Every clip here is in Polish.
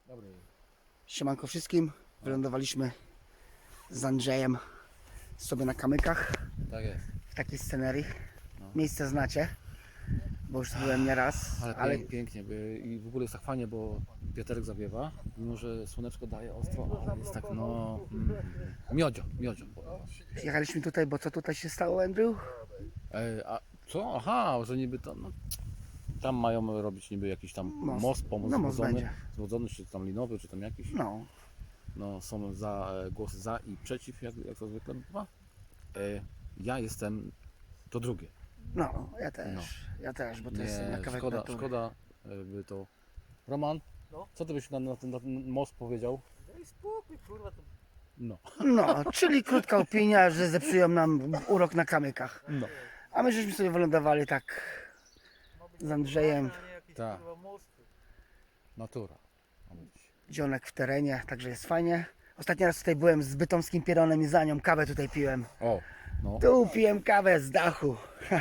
Dobry. Siemanko wszystkim. Wylądowaliśmy z Andrzejem sobie na kamykach Tak jest. w takiej scenerii. No. Miejsce znacie, bo już byłem nieraz, Ale pięknie. I w ogóle jest tak fajnie, bo wiaterek zawiewa, mimo że słoneczko daje ostro, ale jest tak miodzio. Jechaliśmy tutaj, bo co tutaj się stało, Andrew? A co? Aha, że niby to, no, tam mają robić niby jakiś tam most No, most będzie. zwodzony, czy tam linowy, czy tam jakiś. No, No, są głosy za i przeciw, jak to zwykle bywa. Ja jestem to drugie. no, ja No. też, bo to jest na kawałek szkoda, natury. szkoda by to. Roman, No. co ty byś na ten most powiedział? Daj spokój, kurwa, to No. No, czyli krótka opinia, że zepsują nam urok na kamykach. No. A my żeśmy sobie wylądowali tak ma być z Andrzejem. normalne, a nie jakieś, Tak. kurwa, mosty. Natura. Ma być. Dzionek w terenie, także jest fajnie. Ostatni raz tutaj byłem z bytomskim pieronem i za nią kawę tutaj piłem. O, no. Tu piłem kawę z dachu.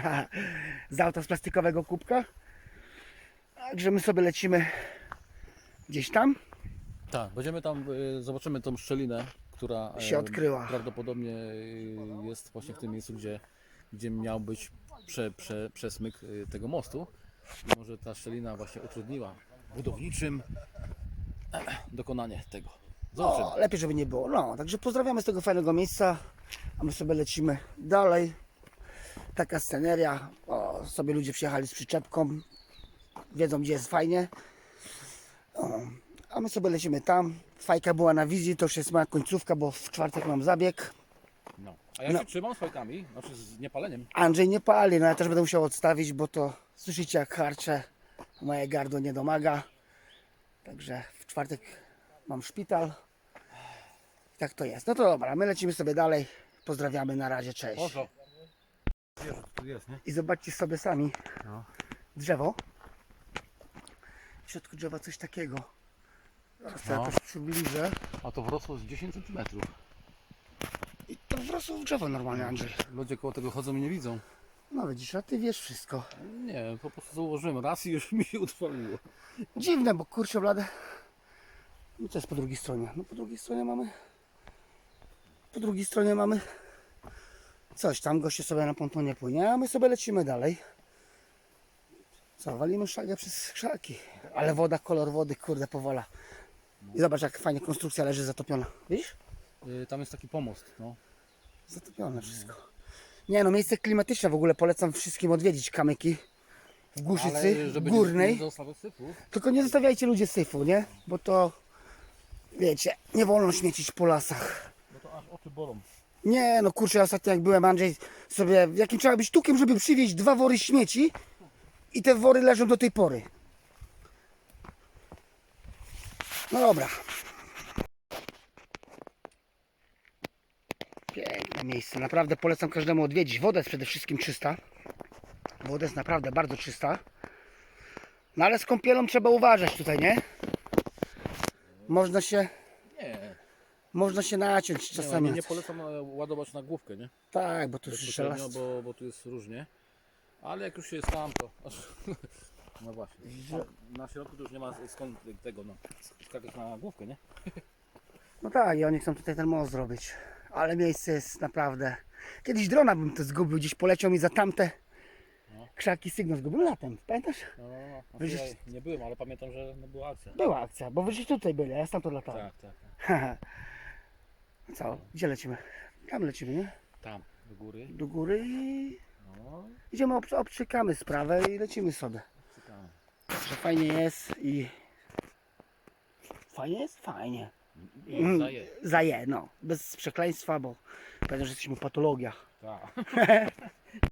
Z auta z plastikowego kubka. Także my sobie lecimy gdzieś tam. Tak, będziemy tam, zobaczymy tą szczelinę, która Się odkryła. Prawdopodobnie jest właśnie w tym miejscu, gdzie miał być przesmyk tego mostu. I może ta szczelina właśnie utrudniła budowniczym dokonanie tego. Zobaczymy. O, lepiej, żeby nie było. No, także pozdrawiamy z tego fajnego miejsca. A my sobie lecimy dalej. Taka sceneria. O, sobie ludzie przyjechali z przyczepką. Wiedzą, gdzie jest fajnie. O, a my sobie lecimy tam. Fajka była na wizji, to już jest moja końcówka, bo w czwartek mam zabieg. No. A ja się trzymam z fajkami, znaczy z niepaleniem. Andrzej nie pali, no ja też będę musiał odstawić, bo to słyszycie jak harczę. Moje gardło nie domaga. Także w czwartek mam szpital. Tak to jest. No to dobra, my lecimy sobie dalej. Pozdrawiamy, na razie, cześć. Poszło. Wiesz, tu jest, nie? I zobaczcie sobie sami No. drzewo. W środku drzewa coś takiego. Zaraz to No. jakoś przybliżę. A to wrosło z 10 cm. I to wrosło w drzewo normalnie, Andrzej. Ludzie koło tego chodzą i nie widzą. No widzisz, a ty wiesz wszystko. Nie, po prostu założyłem raz i już mi się utrwaliło. Dziwne, bo kurczę blade. No co jest po drugiej stronie? No po drugiej stronie mamy... Po drugiej stronie mamy... Coś tam, goście sobie na pontonie płynie, a my sobie lecimy dalej. Co, walimy szagę przez krzaki. Ale woda, kolor wody, kurde, powola. I zobacz, jak fajnie konstrukcja leży zatopiona. Widzisz? Tam jest taki pomost, no. Zatopione wszystko. Nie no, miejsce klimatyczne w ogóle polecam wszystkim odwiedzić kamyki. W Głuszycy żeby Górnej. nie zostało syfu. Tylko nie zostawiajcie ludzie syfu, nie? Bo to, wiecie, nie wolno śmiecić po lasach. Bo to aż oczy bolą. Nie no kurczę, ostatnio jak byłem, Andrzej, sobie, jakim trzeba być tukiem, żeby przywieźć 2 wory śmieci i te wory leżą do tej pory. No dobra. Piękne miejsce, naprawdę polecam każdemu odwiedzić. Woda jest przede wszystkim czysta. Woda jest naprawdę bardzo czysta. No ale z kąpielą trzeba uważać tutaj, nie? Można się naciąć czasami. Nie polecam ładować na główkę, nie? Tak, bo to już Bezpośrednio, żelaz. bo tu jest różnie. Ale jak już się jest tam, to... No właśnie. Na środku to już nie ma skąd tego, no. Skakać na główkę, nie? No tak, i oni chcą tutaj ten most zrobić. Ale miejsce jest naprawdę... Kiedyś drona bym to zgubił, gdzieś poleciał mi za tamte krzaki, sygnał zgubił latem, pamiętasz? No, Wiesz- ja nie byłem, ale pamiętam, że była akcja. Była akcja, bo wyście tutaj byli, a ja stamtąd latałem. Tak. Co? Gdzie lecimy? Tam lecimy, nie? Tam, do góry. Do góry i No, idziemy, obczykamy sprawę i lecimy sobie. czekamy. Że fajnie jest i... Fajnie jest? Fajnie. I daje. Zaje, no. Bez przekleństwa, bo pewnie, że jesteśmy patologia. Tak.